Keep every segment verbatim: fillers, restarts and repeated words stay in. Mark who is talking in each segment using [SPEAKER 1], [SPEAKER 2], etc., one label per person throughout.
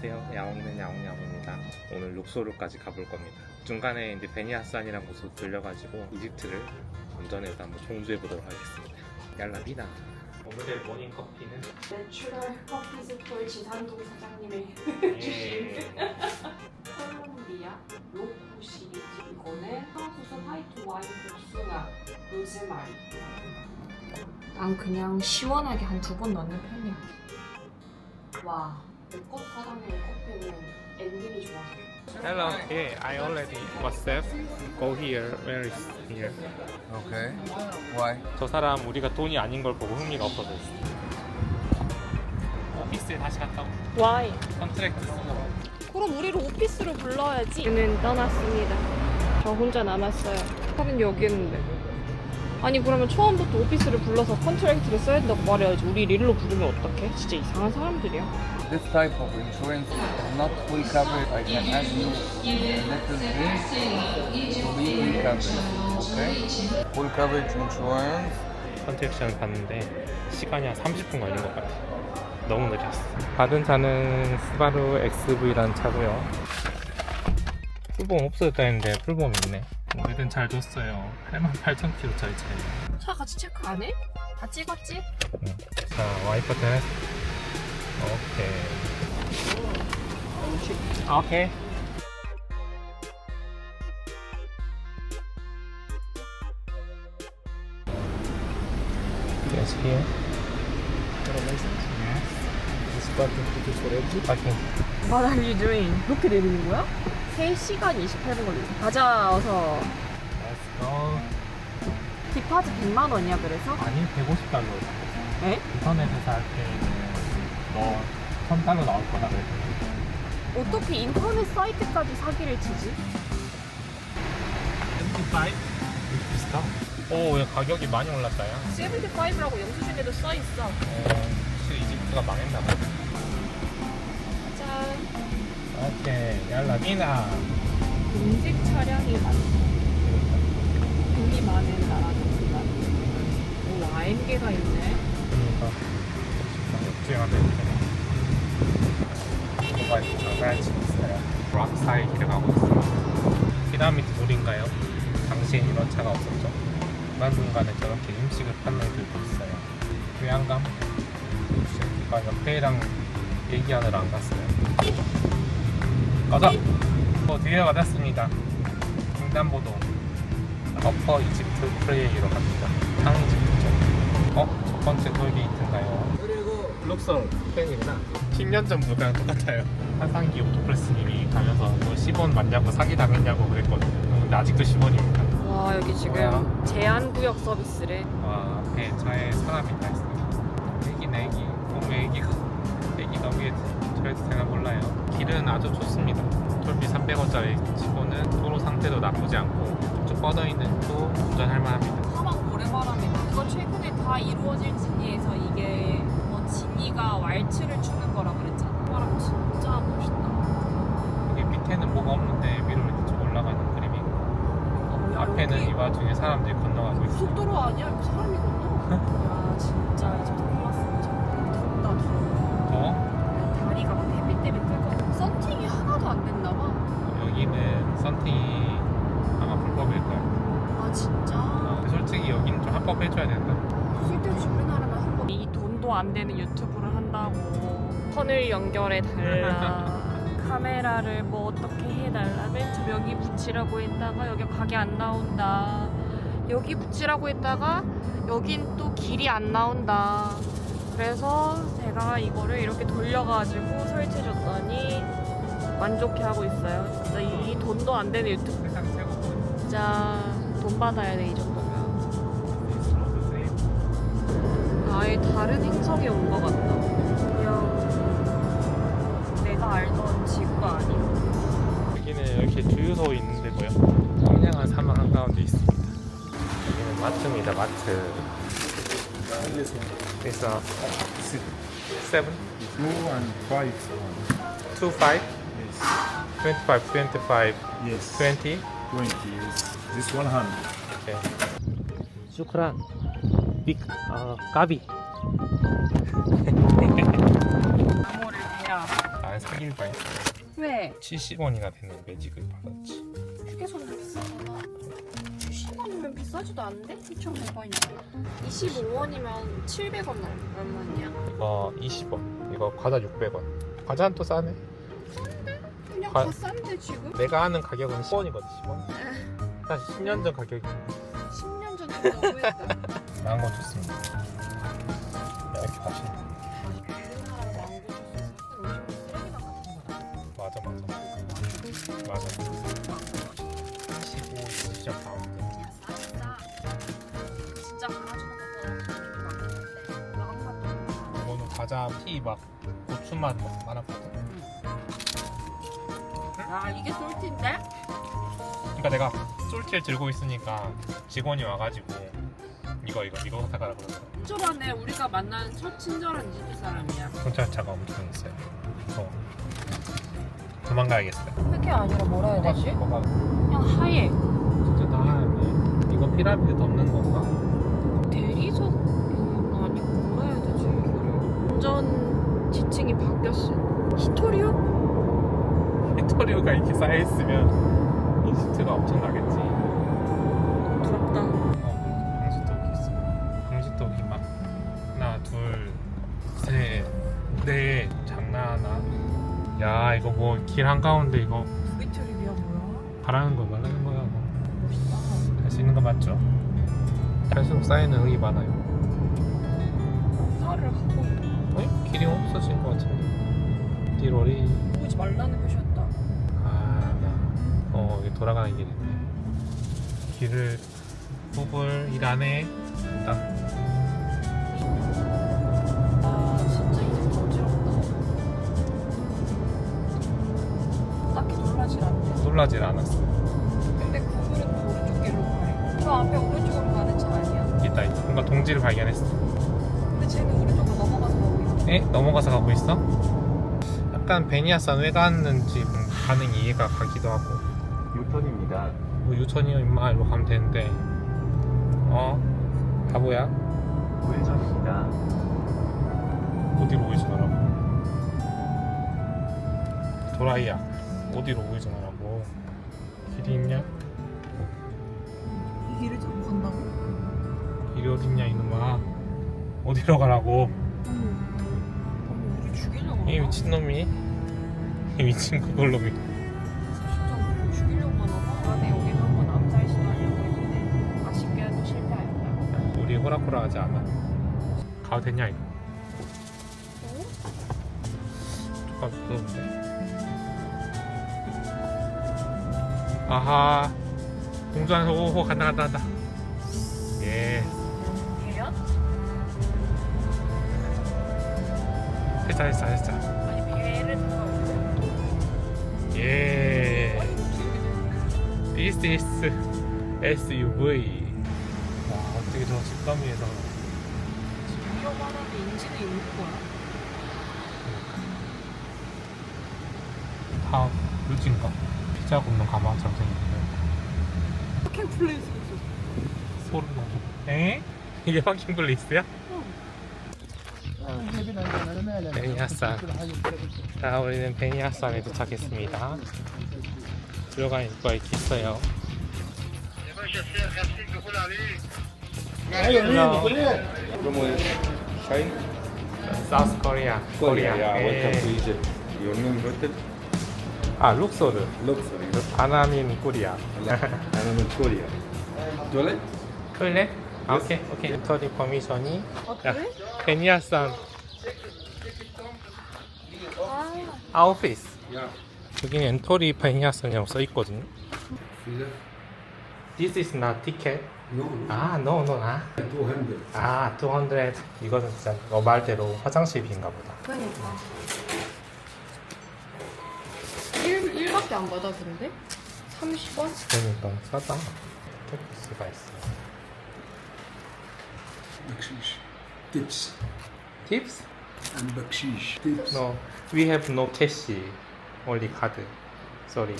[SPEAKER 1] 안녕하세요. 야옹는 야옹야옹입니다. 오늘 룩소르까지 가볼 겁니다. 중간에 이제 베니아산이라는 곳으로 들려가지고 이집트를 운전해서 한번 종주해 보도록 하겠습니다. 얄라비나. 오늘의 모닝 커피는
[SPEAKER 2] 내추럴 커피스톨 지산동 사장님의
[SPEAKER 1] 예.
[SPEAKER 2] 콜롬비아 로쿠 시리즈. 이거는 황수수 화이트 와인 복숭아 로즈마리. 난 그냥 시원하게 한 두 번 넣는 편이야. 와, 내꽃 사장님의 커피는 엔딩이 좋아서.
[SPEAKER 1] Hello. Yeah, I already WhatsApp. Go here. Where is here?
[SPEAKER 3] Okay. Why?
[SPEAKER 1] 저 사람 우리가 돈이 아닌 걸 보고 흥미가 없어졌어. 오피스에 다시 갔다 오고
[SPEAKER 2] 와이.
[SPEAKER 1] 컨트랙트 쓰고.
[SPEAKER 2] 그럼 우리를 오피스로 불러야지. 저는 떠났습니다. 저 혼자 남았어요. 다른 여기였는데. 아니 그러면 처음부터 오피스를 불러서 컨트랙트를 써야 된다고 말해야지. 우리 릴로 부르면 어떡해? 진짜 이상한 사람들이야.
[SPEAKER 3] This type of insurance is not fully covered. I can add you a little bit to be fully covered. Okay? Full coverage insurance.
[SPEAKER 1] 컨트랙션을 봤는데 시간이 한 삼십 분 걸린 것 같아. 너무 느렸어. 받은 차는 스바루 엑스브이라는 차고요. 풀보험 없어졌다 했는데 풀보험 있네. 우리는 잘 줬어요. 팔만 팔천 킬로미터짜리 차예요.
[SPEAKER 2] 차 같이 체크 안 해? 다 찍었지?
[SPEAKER 1] 응. 자, 와이퍼 테스트. 오케이. 오케이. Yes, here. Parking.
[SPEAKER 2] What are you doing? 그렇게 내리는 거야? 세 시간 이십팔 분 걸리네. 가자 어서.
[SPEAKER 1] Let's go.
[SPEAKER 2] 디파트 백만 원이야 그래서?
[SPEAKER 1] 아니, 백오십 달러.
[SPEAKER 2] 에?
[SPEAKER 1] 인터넷에서 할 때는 너 천 달러 나올 거다 그랬더니.
[SPEAKER 2] 어떻게 인터넷 사이트까지 사기를 치지?
[SPEAKER 1] 칠십오? 비슷하? 오, 야, 가격이 많이 올랐다, 야.
[SPEAKER 2] 칠십오라고 영수증에도 써있어.
[SPEAKER 1] 어, 확실히 이집트가 망했나 봐.
[SPEAKER 2] 짠.
[SPEAKER 1] 오케이, 얄라비나.
[SPEAKER 2] 공직 차량이 많다. 돈이 많은 나라구나. 오, 아엠게가 있네.
[SPEAKER 1] 그러니까 역주행한다 이렇게. 뭐가 장난치 있어요. 락 사이 길 가고 있어요. 피라미드 돌인가요? 당시엔 이런 차가 없었죠. 중간중간에 저렇게 음식을 판매 들고 있어요. 교양감? 아, 옆에랑 얘기하느라 안 갔어요. 가자! 어, 드디어 받았습니다. 횡단보도 어퍼 이집트 프레이로 갑니다. 상 이집트죠. 어? 첫 번째 톨게이트인가요? 그리고 룩솔 팬이구나. 십 년 전 물가랑 똑같아요. 한상기 오토플레스님이 가면서 뭐 십 원 맞냐고 사기 당했냐고 그랬거든요. 근데 아직도 십 원입니다.
[SPEAKER 2] 와, 여기 지금
[SPEAKER 1] 뭐야?
[SPEAKER 2] 제한구역 서비스래.
[SPEAKER 1] 와, 앞에 차에 사람이 다 있어요. 애기네 애기. 너무 애기가 애기가 위에 저래도 되나 몰라요. 길은 아주 좋습니다. 톨비 삼백 원짜리 치고는 도로 상태도 나쁘지 않고 쭉 뻗어있는 또 운전할 만합니다.
[SPEAKER 2] 사막 모래바람이다. 이거 최근에 다 이루어질 진이에서 이게 뭐 진이가 왈츠를 추는 거라 그랬잖아. 바람 진짜 멋있다.
[SPEAKER 1] 여기 밑에는 뭐가 없는데 위로 이렇게 쭉 올라가는 그림이고
[SPEAKER 2] 어, 야,
[SPEAKER 1] 앞에는
[SPEAKER 2] 여기
[SPEAKER 1] 이 와중에 사람들이 건너가고 있어요.
[SPEAKER 2] 고속도로 아니야? 여기 사람이 건너? 야, 진짜 이제 너무 왔으면 좋겠다. 덥다, 더워.
[SPEAKER 1] 더
[SPEAKER 2] 다리가 막 햇빛 때문에 뜨거워. 썬팅이 하나도 안 됐나 봐.
[SPEAKER 1] 여기는 썬팅이 아마 불법일 거예요.
[SPEAKER 2] 아, 진짜?
[SPEAKER 1] 어, 솔직히 여기는 좀 합법해줘야 된다.
[SPEAKER 2] 쓸데없이 우리나라는 한번 이 돈도 안 되는 유튜브를 한다고 선을 연결해 달라. 카메라를 뭐 어떻게 해달라. 맨 처음 여기 붙이라고 했다가 여기 각이 안 나온다. 여기 붙이라고 했다가 여긴 또 길이 안 나온다. 그래서 제가 이거를 이렇게 돌려가지고 설치해줬더니 만족해하고 있어요. 진짜 이 돈도 안 되는 유튜브.
[SPEAKER 1] 세상 최고고.
[SPEAKER 2] 진짜 돈 받아야 돼 이 정도면. 아예 다른 행성에 온 것 같다. 그냥 내가 알던 지구가 아니야.
[SPEAKER 1] 여기는 이렇게 주유소 있는데 뭐요? 청량한 사막 한가운데 있습니다. 여기는 마트입니다. 마트. 그래서 seven,
[SPEAKER 4] Two and five.
[SPEAKER 1] two, five,
[SPEAKER 4] Yes.
[SPEAKER 1] twenty-five, twenty-five,
[SPEAKER 4] Yes.
[SPEAKER 1] twenty.
[SPEAKER 4] Twenty. Yes. This one hand.
[SPEAKER 1] 오케이. 슈크란. 빅, 아, 까비.
[SPEAKER 2] 암호를 대라.
[SPEAKER 1] 안 사귈 뻔했어.
[SPEAKER 2] 왜?
[SPEAKER 1] 칠십 원이나 되는 매직을 받았지.
[SPEAKER 2] 휴게소는 비싸잖아. 칠십 원이면 비싸지도 않은데? 이천백 원이야. 이십오 원이면 칠백 원 얼마냐?
[SPEAKER 1] 이거 이십 원. 이거 과자 육백 원. 과자는 또 싸네.
[SPEAKER 2] 그냥
[SPEAKER 1] 과-
[SPEAKER 2] 다 싼데 지금?
[SPEAKER 1] 내가 아는 가격은 십 원이거든. 십 원. 사실 십 년 전 가격이
[SPEAKER 2] 십 년 전에 너무했다.
[SPEAKER 1] 망고 좋습니다. 이렇게 맛있네.
[SPEAKER 2] 우리나라에 망고 주스 사실 음식 쓰레기만 같은 거다.
[SPEAKER 1] 맞아 맞아. 맞아. 십오 시점 가운데.
[SPEAKER 2] 그냥 싸 싸. 진짜 갈아주는 것보다 맛있는데 마음 같은
[SPEAKER 1] 이거는 과자 피 막 고추맛 막 많았거든.
[SPEAKER 2] 아 이게 솔티인데?
[SPEAKER 1] 그러니까 내가 솔티를 들고 있으니까 직원이 와가지고 이거 이거 이거 사가라 그러더라고.
[SPEAKER 2] 친절하네. 우리가 만난 첫 친절한 이집트 사람이야.
[SPEAKER 1] 경찰차가 엄청 있어요. 어. 도망가야겠어요.
[SPEAKER 2] 그게 아니라 뭐라 해야 되지?
[SPEAKER 1] 뭐가
[SPEAKER 2] 그냥 하얘.
[SPEAKER 1] 진짜 다 하얗네. 이거 피라미드 덮는 건가?
[SPEAKER 2] 대리석 음, 아니고 뭐라 해야 되지? 완전 지층이 바뀌었어. 히토리오?
[SPEAKER 1] 빅토리오가 이렇게 쌓여있으면 이집트가 엄청나겠지.
[SPEAKER 2] 부럽다.
[SPEAKER 1] 어, 방지턱이 있어. 방지턱이 막 하나, 둘, 셋, 넷 장난하나? 야 이거 뭐 길 한가운데 이거
[SPEAKER 2] 그게 트립이야 뭐야?
[SPEAKER 1] 바라는 거 말하는 거야 뭐.
[SPEAKER 2] 멋있다.
[SPEAKER 1] 할 수 있는 거 맞죠? 갈수록 쌓이는 의이 많아요.
[SPEAKER 2] 사를 하고 있다.
[SPEAKER 1] 어? 길이 없어진 것 같은데. 띠로리.
[SPEAKER 2] 보지 말라는 것이었다.
[SPEAKER 1] 아, 나. 어, 여기 돌아가는 길이네. 길을 구글 일 안에 딱.
[SPEAKER 2] 아 진짜 이집트 어지럽다. 딱히 놀라질 않네.
[SPEAKER 1] 놀라질 않았어.
[SPEAKER 2] 근데 구글은 또 오른쪽 길로 가래. 저 앞에 오른쪽으로 가는 차 아니야?
[SPEAKER 1] 있다, 있다. 뭔가 동지를 발견했어.
[SPEAKER 2] 근데 쟤는 오른쪽으로 넘어가서 가고 있어.
[SPEAKER 1] 에? 넘어가서 가고 있어? 약간 베니아산 왜 갔는지 가는 이해가 가기도 하고.
[SPEAKER 3] 유턴입니다.
[SPEAKER 1] 뭐 유턴이요 임마 이리로 가면 되는데. 어? 바보야?
[SPEAKER 3] 우회전입니다.
[SPEAKER 1] 어디로 우회전하라고? 도라이야. 어디로 우회전하라고? 길이 있냐?
[SPEAKER 2] 이 길을 타고 간다고?
[SPEAKER 1] 길이 어딨냐 이놈아. 어디로 가라고?
[SPEAKER 2] 어머, 우리 죽이려고
[SPEAKER 1] 이
[SPEAKER 2] 하나?
[SPEAKER 1] 미친놈이. 이 미친 그걸놈이.
[SPEAKER 2] 진짜 우리 죽이려고 하나 봐. 안에 여기서 한번 암살 시도하려고 했는데 아쉽게도 실패하였다.
[SPEAKER 1] 우리 호락호락하지 않아. 가도 되냐 이거?
[SPEAKER 2] 어?
[SPEAKER 1] 조금 무서운데. 아하. 공주한서 오호 간다 간다 간다. 예.
[SPEAKER 2] 배연?
[SPEAKER 1] 됐다 됐다 됐다.
[SPEAKER 2] 아니 배를 타고
[SPEAKER 1] 예. This is 에스유브이. 와 어떻게 저 집더미에서
[SPEAKER 2] 위험하다는 인지는 있는 거야.
[SPEAKER 1] 다 루진가? 피자 굽는 가마처럼 생겼는데
[SPEAKER 2] 파킹 플레이스 있어.
[SPEAKER 1] 소름 나죠. 에? 이게 파킹 플레이스야? 베니아산. 자 우리는 베니아산에 도착했습니다. 들어가는 입구가 이렇게 있어요.
[SPEAKER 3] ¿Cómo es? Shine?
[SPEAKER 1] 사우스 코리아. 코리아.
[SPEAKER 3] Yeah, welcome to
[SPEAKER 1] 예.
[SPEAKER 3] Egypt. Your name written?
[SPEAKER 1] 아 룩소르.
[SPEAKER 3] Luxury.
[SPEAKER 1] 바나민 코리아.
[SPEAKER 3] I'm in Korea. Toilet?
[SPEAKER 1] 토일렛? 아 오케이 오케이. 인터리 퍼미션이.
[SPEAKER 2] 아
[SPEAKER 1] 야,
[SPEAKER 2] 그래?
[SPEAKER 1] 베니아산
[SPEAKER 2] 아
[SPEAKER 1] 아웃피스.
[SPEAKER 3] Yeah.
[SPEAKER 1] 여기는 엔터리 베니아산이라고 써 있거든요.
[SPEAKER 3] Visa?
[SPEAKER 1] This is not ticket.
[SPEAKER 3] No.
[SPEAKER 1] 아, no, no, 아.
[SPEAKER 3] two hundred.
[SPEAKER 1] 아, 이백. 이거는 진짜 너 말대로 화장실비인가 보다.
[SPEAKER 2] 그러니까 일, 일밖에 안 받아 근데? 삼십 원?
[SPEAKER 1] 그러니까 싸다. 토프스가 있어.
[SPEAKER 5] Bakshish. Tips.
[SPEAKER 1] Tips?
[SPEAKER 5] And bakshish. Tips.
[SPEAKER 1] No, we have no cash. Only card. Sorry.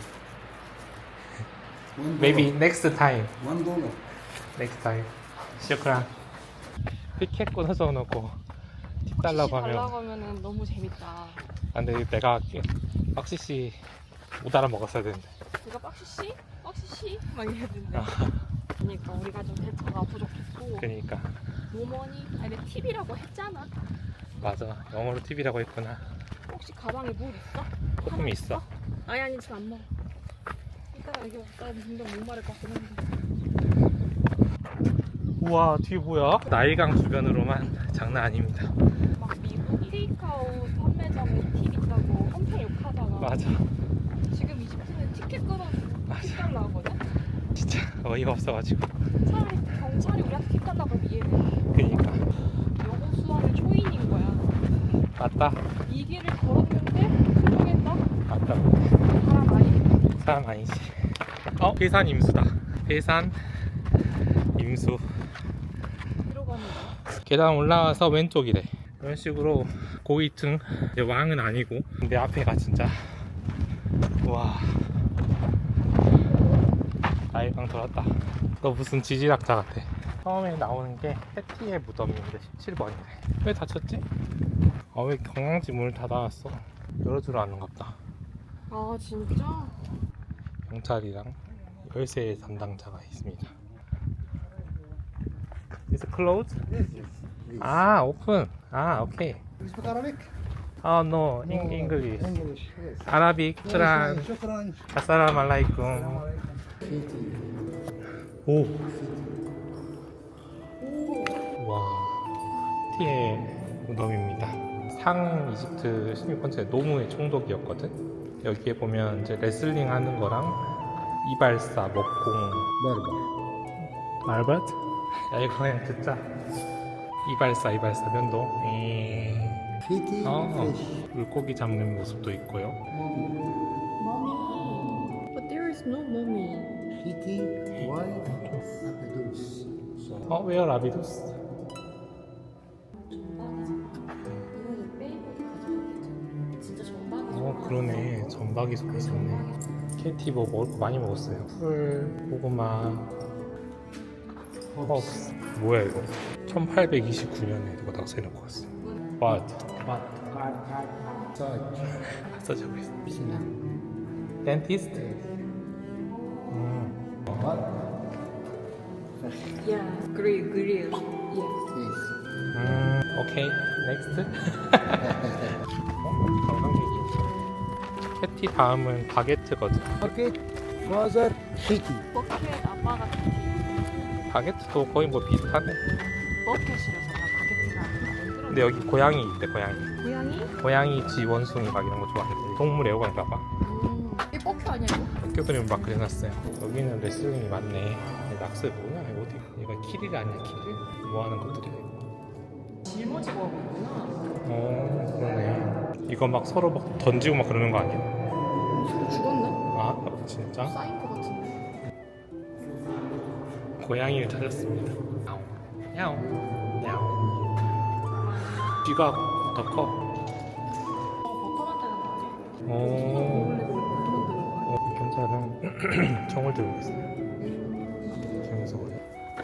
[SPEAKER 5] One
[SPEAKER 1] Maybe
[SPEAKER 5] dollar.
[SPEAKER 1] next time.
[SPEAKER 5] One dollar.
[SPEAKER 1] Next time. 슈크란. 피켓 끊어서 놓고 팁 달라고 하면
[SPEAKER 2] 달라고 하면은 너무 재밌다.
[SPEAKER 1] 아, 근데 내가 할게. 박시씨 못 알아먹었어야 되는데.
[SPEAKER 2] 이거 박시씨? 박시씨? 막 이랬는데.
[SPEAKER 1] 아.
[SPEAKER 2] 그러니까 우리가 좀 대처가 부족했고.
[SPEAKER 1] 그러니까
[SPEAKER 2] 노머니? 아니 근데 팁이라고 했잖아.
[SPEAKER 1] 맞아. 영어로 팁이라고 했구나.
[SPEAKER 2] 혹시 가방에 물 있어?
[SPEAKER 1] 조금 있어.
[SPEAKER 2] 아니 아니 지금 안 먹어. 이따가 여기 왔다 분명 목마를 것 같긴 한데.
[SPEAKER 1] 우와 뒤에 뭐야? 나일강 주변으로만 장난 아닙니다.
[SPEAKER 2] 막 미국 테이크아웃 판매점에 팁 있다고 엄청 욕하잖아.
[SPEAKER 1] 맞아.
[SPEAKER 2] 지금 이집트는 티켓 끊어주고
[SPEAKER 1] 맞아.
[SPEAKER 2] 팁 달라고 하거든?
[SPEAKER 1] 진짜 어이가 없어가지고.
[SPEAKER 2] 차라리 경찰이 우리한테 팁 달라고 하면 이해해.
[SPEAKER 1] 그러니까
[SPEAKER 2] 영어 수학의 초인인 거야.
[SPEAKER 1] 맞다.
[SPEAKER 2] 이 길을 걸었는데 수정했다?
[SPEAKER 1] 맞다.
[SPEAKER 2] 사람 아니겠다.
[SPEAKER 1] 사람 아니지. 어? 계산 임수다. 계산 임수.
[SPEAKER 2] 들어가는 거야.
[SPEAKER 1] 계단 올라와서 왼쪽이래. 이런 식으로 고위층. 이제 왕은 아니고 근데 앞에가 진짜 와 나일강 돌았다. 너 무슨 지질학자 같아. 처음에 나오는 게 해티의 무덤인데 십칠 번이래. 왜 닫혔지? 아 왜 경량지 문을 닫아놨어? 열어주러 왔는갑다.
[SPEAKER 2] 아 진짜?
[SPEAKER 1] 경찰이랑 열쇠 담당자가 있습니다. Is it closed? 아 오픈. 아 오케이.
[SPEAKER 5] You speak Arabic?
[SPEAKER 1] 아 no in English.
[SPEAKER 5] English, yes.
[SPEAKER 1] 아라빅 트란.
[SPEAKER 5] شكرا.
[SPEAKER 1] 아사람 알라이쿰. 오. 와. 티의 무덤입니다. 상 이집트 십육 번째 노무의 총독이었거든. 여기에 보면 이제 레슬링 하는 거랑 이발사, 먹공,
[SPEAKER 5] بربر.
[SPEAKER 1] 말벗? 야 이거 그냥 듣자. 이발사, 이발사 면도. 에이.
[SPEAKER 5] فيتي
[SPEAKER 1] 어,
[SPEAKER 5] fish.
[SPEAKER 1] 물고기 잡는 모습도 있고요.
[SPEAKER 2] Mommy. But there is no mommy.
[SPEAKER 5] فيتي وايت أبدوس.
[SPEAKER 1] 어, 웨어 라비두스? 어, 그러네. 전박이 속에 있었네. 케이티 뭐 먹을 거 많이 먹었어요. 풀, 고구마, 허브스. 뭐야 이거? 천팔백이십구 년에 누가 낙서해놓고 왔어. What? What? 써주고 있어. Dentist? 음.
[SPEAKER 2] Yeah. Grill, grill. Yeah.
[SPEAKER 5] Yes.
[SPEAKER 1] 음, 오케이. 넥스트. 어? 관광객이. 캐티 다음은 바게트거든.
[SPEAKER 5] Bucket, father, Fiti.
[SPEAKER 2] 버켓 아빠가 티.
[SPEAKER 1] 바게트도 거의 뭐 비슷하네.
[SPEAKER 2] 버켓이라서 나 바게트가 아니라.
[SPEAKER 1] 근데 여기 고양이 있대, 고양이.
[SPEAKER 2] 고양이?
[SPEAKER 1] 고양이, 쥐, 원숭이 막 이런 거 좋아하는데 동물 애호가인가봐.
[SPEAKER 2] 음. 이 버켓 아니야 이거?
[SPEAKER 1] 학교 그림 막 그려놨어요. 여기는 레슬링이 많네. 낙서 뭐야? 이거 어디? 얘가 키릴 아니야, 키릴? 뭐 하는 것들이야?
[SPEAKER 2] 짊어지고 하고 있구나.
[SPEAKER 1] 어, 그러네. 이거 막 서로 막 던지고 막 그러는 거 아니야?
[SPEAKER 2] 죽었나?
[SPEAKER 1] 아, 진짜?
[SPEAKER 2] 쌓인 거 같은데.
[SPEAKER 1] 고양이를 찾았습니다. 야옹, 야옹, 야옹. 쥐가 더 커.
[SPEAKER 2] 버터 만드는 거 아니야?
[SPEAKER 1] 어,
[SPEAKER 2] 원래 버터 만드는 거야.
[SPEAKER 1] 어, 경찰은 총을 들고 있어요. 그래서 그래.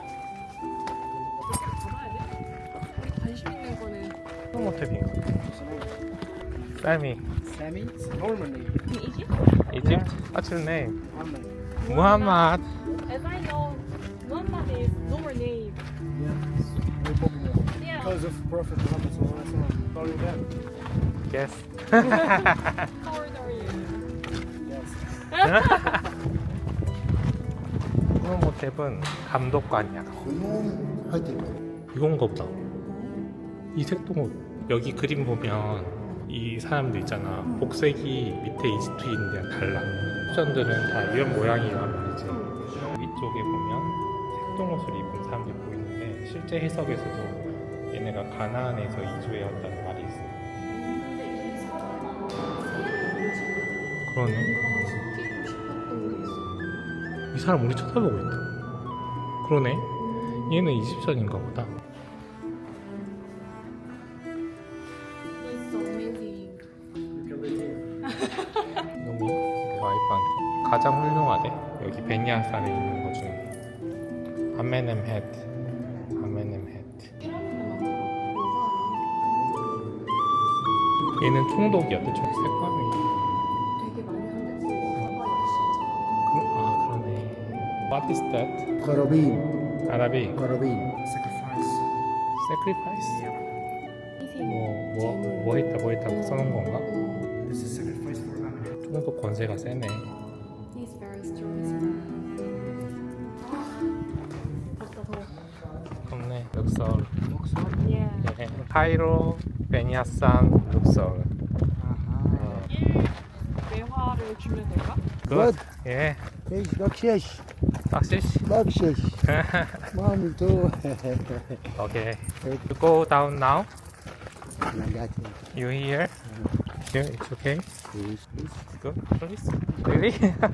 [SPEAKER 2] 가봐야 돼? 우리 관심 있는 거는
[SPEAKER 1] 호모탭인가? 쌀미.
[SPEAKER 5] Sammy, it's Normandy.
[SPEAKER 2] 이집?
[SPEAKER 1] Egypt? What's your name?
[SPEAKER 5] Muhammad.
[SPEAKER 1] Muhammad.
[SPEAKER 2] As I know, Muhammad is lower name.
[SPEAKER 5] No problem.
[SPEAKER 2] Yeah.
[SPEAKER 5] Because of Prophet Muhammad sallallahu alaihi wasallam. Call you that.
[SPEAKER 1] Yes.
[SPEAKER 2] How old are you?
[SPEAKER 5] Yes.
[SPEAKER 1] 호모탭은 감독관이야.
[SPEAKER 5] خيوم هدم.
[SPEAKER 1] 이건가 보다. 이 색동 여기 그림 보면 이 사람들 있잖아. 복색이 밑에 이집트인이랑 달라. 쿠션들은 다 이런 모양이란 말이지. 위쪽에 보면 색동옷을 입은 사람들이 보이는데 실제 해석에서도 얘네가 가나안에서 이주해왔다는 말이 있어. 그러네. 이 사람 우리 쳐다보고 있다. 그러네. 얘는 이집션인가 보다.
[SPEAKER 2] It's so amazing.
[SPEAKER 1] 너무 와이프한테 가장 훌륭하대. 여기 베니아산에 있는 것 중에 아메넴 헤드, 아메넴 헤드. 얘는 총독이었대. 총 색감이.
[SPEAKER 2] 되게 많이 한댔어.
[SPEAKER 1] 아 그러네. What is that?
[SPEAKER 5] Qarabin.
[SPEAKER 1] 아라비.
[SPEAKER 5] Qarabin. Sacrifice.
[SPEAKER 1] Sacrifice.
[SPEAKER 2] 희생.
[SPEAKER 1] 뭐뭐 뭐 했다 뭐 했다 써놓은 건가?
[SPEAKER 5] This is sacrifice for Allah.
[SPEAKER 1] 총독 권세가 세네.
[SPEAKER 2] He's very strong. 덥다 더워.
[SPEAKER 1] 없네. 룩서울.
[SPEAKER 2] 예.
[SPEAKER 1] 예. 카이로, 베니아산, 룩서울.
[SPEAKER 2] 매화를 주면 될까?
[SPEAKER 1] 굿. 예.
[SPEAKER 5] Eesh, bakshish.
[SPEAKER 1] 박시시.
[SPEAKER 5] Bakshish. Mami too.
[SPEAKER 1] Okay. You go down now.
[SPEAKER 5] Nagat.
[SPEAKER 1] You here? Here, it's okay.
[SPEAKER 5] Please, please.
[SPEAKER 1] Good, please. Really?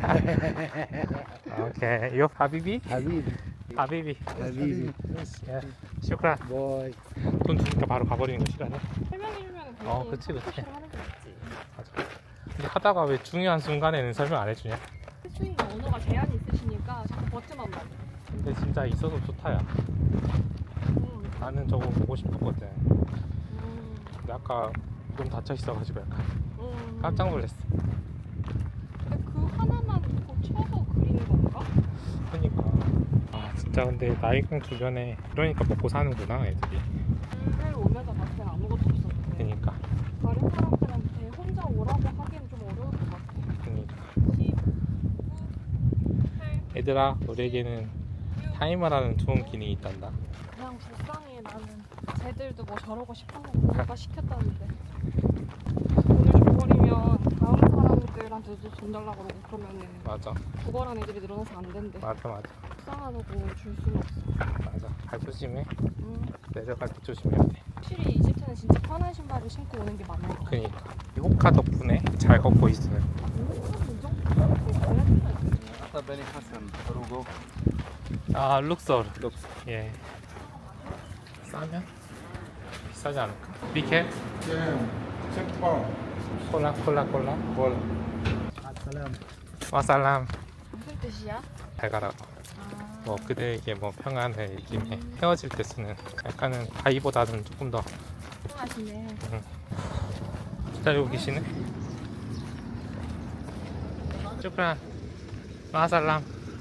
[SPEAKER 1] Okay. You Habibi?
[SPEAKER 5] Habib.
[SPEAKER 1] Habibi.
[SPEAKER 5] Habib.
[SPEAKER 1] 예. 슈크란.
[SPEAKER 5] Boy.
[SPEAKER 1] 돈 주니까 바로 가버리는 거 싫어하네.
[SPEAKER 2] 설명해주면
[SPEAKER 1] 어, 그치, 그치.
[SPEAKER 2] 하는 게 맞지.
[SPEAKER 1] 맞아. 근데 하다가 왜 중요한 순간에는 설명 안 해주냐?
[SPEAKER 2] 스윙 언어가 제한이 있으시니까 자꾸 버튼만 봐.
[SPEAKER 1] 근데 진짜 있어서 좋다야.
[SPEAKER 2] 음,
[SPEAKER 1] 나는 저거 보고 싶었거든.
[SPEAKER 2] 음,
[SPEAKER 1] 근데 아까 너무 닫혀 있어가지고 약간
[SPEAKER 2] 음.
[SPEAKER 1] 깜짝 놀랐어.
[SPEAKER 2] 근데 그 하나만 꼭 쳐서 그리는 건가?
[SPEAKER 1] 그러니까 아 진짜 근데 나이강 주변에 그러니까 먹고 사는구나 애들이.
[SPEAKER 2] 를 오면서 봤을 땐 아무것도 없었는데
[SPEAKER 1] 그러니까
[SPEAKER 2] 다른 사람들한테 혼자 오라고 하기는 좀 어려울 것 같아.
[SPEAKER 1] 그러니까
[SPEAKER 2] 십구, 팔,
[SPEAKER 1] 얘들아 우리에게는 타이머라는 좋은 기능이 있단다.
[SPEAKER 2] 그냥 불쌍해 나는. 쟤들도 뭐 저러고 싶어서 누가 시켰다는데 돈을 줘버리면 다음 사람들한테도 돈 달라고 그러고 그러면은
[SPEAKER 1] 맞아
[SPEAKER 2] 구걸한 애들이 늘어나서 안 된대.
[SPEAKER 1] 맞아 맞아
[SPEAKER 2] 불쌍하다고 줄 수는 없어.
[SPEAKER 1] 맞아. 발 조심해.
[SPEAKER 2] 음.
[SPEAKER 1] 내려갈 때 조심해야 돼.
[SPEAKER 2] 확실히 이집트는 진짜 편한 신발을 신고 오는 게 맞는 것 같아.
[SPEAKER 1] 그러니까 이 호카 덕분에 잘 걷고 있어요.
[SPEAKER 3] Ata Beni Hassan, Rugo.
[SPEAKER 1] 아 룩서울.
[SPEAKER 3] Looks.
[SPEAKER 1] 예. 싸면 비싸지 않을까? 비켈
[SPEAKER 4] Yeah. Check pound.
[SPEAKER 1] 콜라 콜라 콜라.
[SPEAKER 4] Well,
[SPEAKER 5] Salam.
[SPEAKER 1] 와살람.
[SPEAKER 2] 무슨 뜻이야?
[SPEAKER 1] 잘 가라.
[SPEAKER 2] 아,
[SPEAKER 1] 뭐 그대에게 뭐 평안을 있긴 해. 헤어질 때 쓰는 약간은 바이보다는 조금 더
[SPEAKER 2] 하시네.
[SPEAKER 1] 기다리고 계시네. 쭈크란 마살람.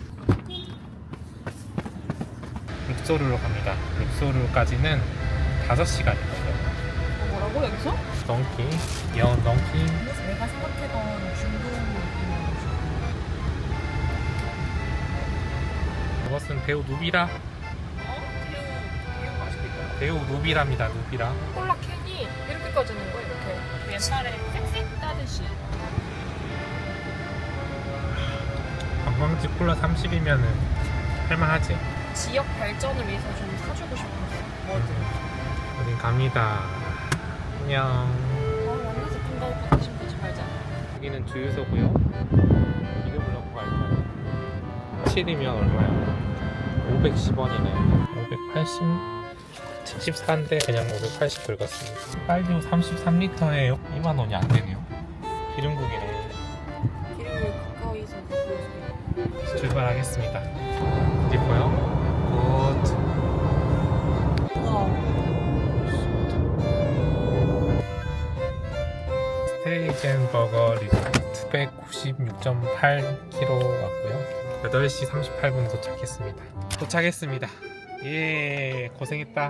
[SPEAKER 1] 룩소르로 갑니다. 룩소르까지는 다섯 시간이 걸려요.
[SPEAKER 2] 어, 뭐라고 여기서?
[SPEAKER 1] 덩키, 귀여운 덩키.
[SPEAKER 2] 내가 생각했던 중동
[SPEAKER 1] 이것은 배우 누비라. 배우 누비라입니다. 누비라.
[SPEAKER 2] 콜라 캔이 이렇게 꺼지는 거야 이렇게. 옛날에 색 따듯이.
[SPEAKER 1] 관광지 콜라 삼십이면은 할만하지.
[SPEAKER 2] 지역 발전을 위해서 좀 사주고 싶었어. 뭐든.
[SPEAKER 1] 우린 갑니다. 안녕.
[SPEAKER 2] 아, 완전 제품 가고 가신 거지 말자.
[SPEAKER 1] 여기는 주유소고요. 이름을 넣고 갈 거예요. 칠이면 얼마야? 오백십 원이네. 오백팔십? 칠십사인데 그냥 오백팔십 긁었습니다. 빨리 삼십삼 리터에 이만 원이 안 되네요. 기름국이네.
[SPEAKER 2] 길을 가까이서 보여주세요.
[SPEAKER 1] 출발하겠습니다. 이뻐요? 굿.
[SPEAKER 2] 우와.
[SPEAKER 1] 스테이젠 버거 리조트 백구십육 점 팔 킬로미터 왔고요. 여덟 시 삼십팔 분 도착했습니다. 도착했습니다. 예, 고생했다.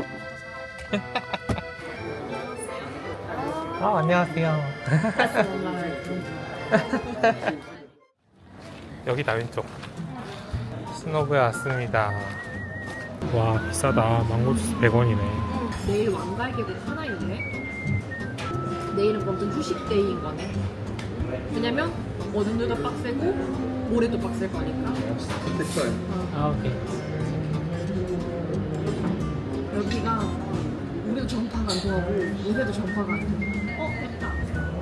[SPEAKER 1] 아, 안녕하세요. 여기다 왼쪽. 스노브에 왔습니다. 와, 비싸다. 망고주스 백 원이네.
[SPEAKER 2] 내일 왕갈개국 하나 있네. 내일은 그럼 좀 휴식 데이인 거네. 왜냐면 오늘도 빡세고 모레도 빡셀 거니까.
[SPEAKER 1] 아, 오케이.
[SPEAKER 2] 여기가 우리도 전파가 안 통하고 요새도 전파가 안 통해. 어, 됐다.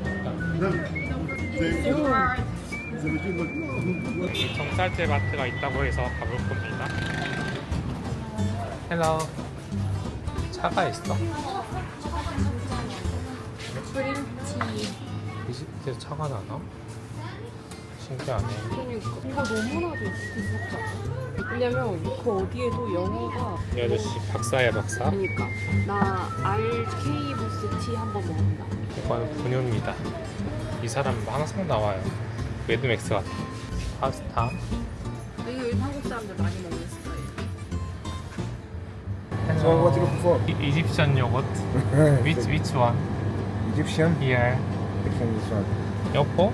[SPEAKER 1] 정쌀제 마트가 있다고 해서 가볼 겁니다. 헬로. 차가 있어.
[SPEAKER 2] 그린티.
[SPEAKER 1] 이집트에서 차가 나나? 신기하네.
[SPEAKER 2] 그러니까 이거 너무나도 무섭다. 왜냐면 그 어디에도 영어가
[SPEAKER 1] 이 아저씨 박사야 박사.
[SPEAKER 2] 그러니까 나 알케이 부스 티 한번 먹는다.
[SPEAKER 1] 이건 분유입니다. 이 사람 항상 나와요. 매드맥스 같아. 파스타.
[SPEAKER 2] 이거 요즘 한국 사람들 많이 먹는 스타일.
[SPEAKER 4] So what you looking for?
[SPEAKER 1] 이- 이집션 요거트. Which which one?
[SPEAKER 4] Egyptian?
[SPEAKER 1] Here.
[SPEAKER 4] Which one is one?
[SPEAKER 1] 여보?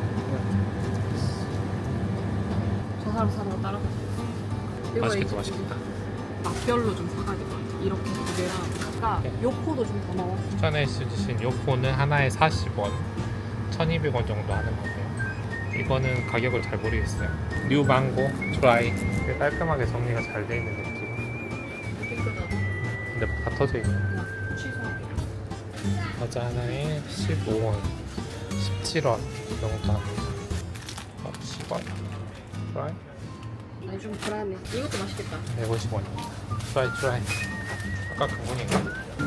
[SPEAKER 2] 저 사람 사는 거 따라가.
[SPEAKER 1] 맛있겠다 맛있겠다.
[SPEAKER 2] 맛별로 좀 사가야 될 것 같아. 이렇게 두 개랑 아까
[SPEAKER 1] 네.
[SPEAKER 2] 요코도 좀 더 나와.
[SPEAKER 1] 추천해 주신 요코는 하나에 사십 원, 천이백 원 정도 하는 거고요. 이거는 가격을 잘 모르겠어요. 뉴 망고 트라이. 되게 깔끔하게 정리가 잘 돼 있는 느낌.
[SPEAKER 2] 깨끗하다.
[SPEAKER 1] 근데 다 터져 있네.
[SPEAKER 2] 취소.
[SPEAKER 1] 과자 하나에 십오 원, 십칠 원 정도 합니다. 어, 십 원. 트라이?
[SPEAKER 2] 아니 좀 불안해. 이것도 맛있겠다.
[SPEAKER 1] 백오십 원. 트라이 트라이. 아까 그분인가?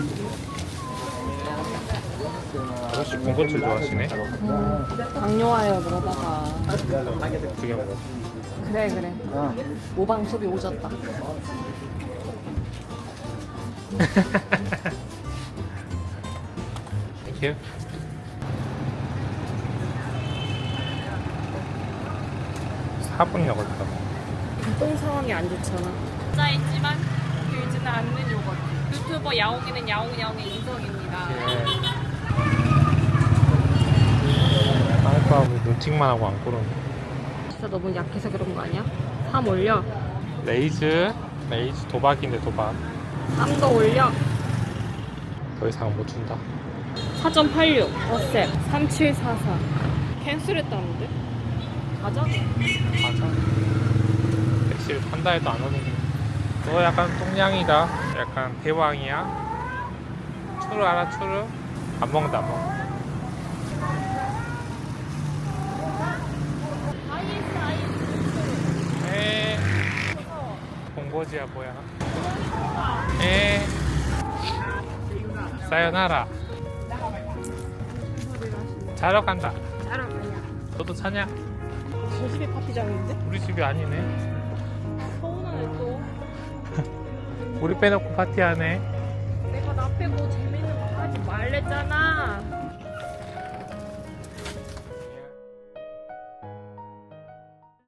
[SPEAKER 1] 아저씨 군것질 좋아하시네?
[SPEAKER 2] 당뇨와요 그러다가.
[SPEAKER 1] 두개 먹어.
[SPEAKER 2] 그래 그래. 모방톱이 오졌다.
[SPEAKER 1] 땡큐. 사 분 먹었다.
[SPEAKER 2] 똥 상황이 안 좋잖아. 짜있지만 길지는 않는 요거트. 유튜버 야옹이는 야옹야옹의 인성입니다.
[SPEAKER 1] 예. 아이빠 왜 눈팅만 하고 안 고르네.
[SPEAKER 2] 진짜 너무 약해서 그런 거 아니야? 삼 올려.
[SPEAKER 1] 레이즈 레이즈 도박인데 도박.
[SPEAKER 2] 삼 더 올려.
[SPEAKER 1] 더 이상 못 준다.
[SPEAKER 2] 사 점 팔육 어셉 삼칠사사 캔슬했다는데? 가자.
[SPEAKER 1] 맞아. 택시를 탄다 해도 안 오는 거. 너 약간 똥냥이다. 약간 대왕이야. 추루 알아 추루? 안 먹는다 안 먹어. 에 본거지야 뭐야. 에 사요나라. 자러 간다.
[SPEAKER 2] 짜라 그냥.
[SPEAKER 1] 너도 차냐?
[SPEAKER 2] 저 집이 파티장인데?
[SPEAKER 1] 우리 집이 아니네.
[SPEAKER 2] 서운하네 또.
[SPEAKER 1] 우리 빼놓고 파티하네.
[SPEAKER 2] 내가 나 빼고 재밌는 거 하지 말랬잖아.